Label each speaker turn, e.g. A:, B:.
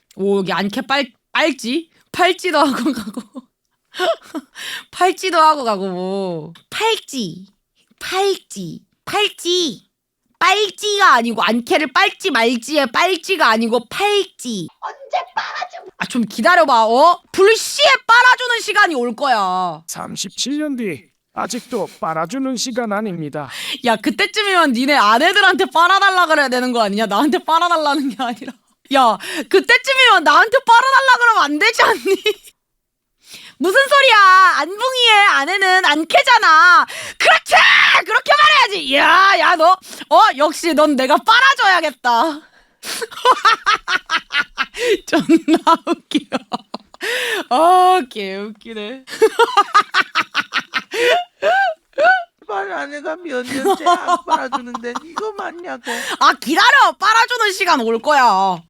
A: 오, 여기 안캐 빨지? 팔찌도 하고 가고. 팔찌도 하고 가고 뭐. 팔찌. 빨지가 아니고 안캐를 빨지 말지의 빨지가 아니고 팔찌.
B: 언제 빨아줘?
A: 아, 좀 기다려봐. 불시에 빨아주는 시간이 올 거야.
C: 37년 뒤 아직도 빨아주는 시간 아닙니다.
A: 야, 그때쯤이면 니네 아내들한테 빨아달라 그래야 되는 거 아니냐? 나한테 빨아달라는 게 아니라. 야, 그때쯤이면 나한테 빨아달라 그러면 안 되지 않니? 무슨 소리야? 안붕이의 아내는 안캐잖아. 그렇지! 그렇게 말해야지. 야, 너, 역시 넌 내가 빨아줘야겠다. 존나 웃겨. 개웃기네.
D: 말 아내가 몇 년째 안 빨아주는데 이거 맞냐고.
A: 아, 기다려. 빨아주는 시간 올 거야.